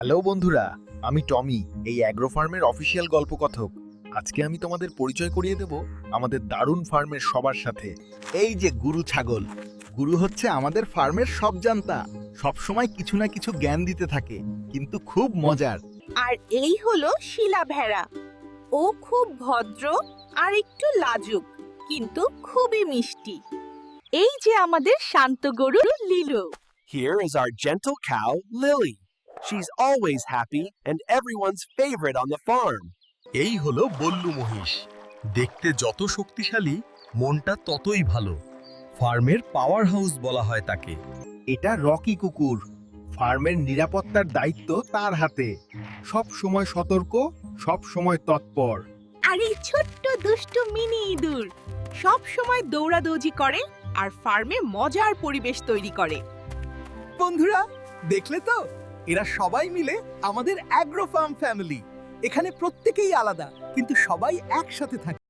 Hello বন্ধুরা, আমি টমি, এই অ্যাগ্রো ফার্মের অফিসিয়াল গল্পকথক। আজকে আমি তোমাদের পরিচয় করিয়ে দেব আমাদের দারুণ ফার্মের সবার সাথে। এই যে গুরু ছাগল, গুরু হচ্ছে আমাদের ফার্মের সব জানতা, সব সময় কিছু না কিছু জ্ঞান দিতে থাকে, কিন্তু খুব মজার। আর এই হলো শিলা ভেড়া। ও খুব ভদ্র আর একটু লাজুক, কিন্তু খুবই মিষ্টি। এই যে আমাদের শান্ত গরু Lilu. Here is our gentle cow, Lily. She's always happy and everyone's favorite on the farm. এই হলো বল্লু মহিষ, দেখতে যত শক্তিশালী মনটা ততই ভালো। ফার্মের পাওয়ার হাউস বলা হয় তাকে। এটা রকি কুকুর, ফার্মের নিরাপত্তার দায়িত্ব তার হাতে। সব সময় সতর্ক, সব সময় তৎপর। আর এই ছোট্ট দুষ্টু মিনি ইঁদুর সব সময় দৌড়াদৌড়ি করে আর ফার্মে মজার পরিবেশ তৈরি করে। বন্ধুরা, দেখলে তো, এরা সবাই মিলে আমাদের অ্যাগ্রো ফার্ম ফ্যামিলি। এখানে প্রত্যেকেই আলাদা, কিন্তু সবাই একসাথে থাকে।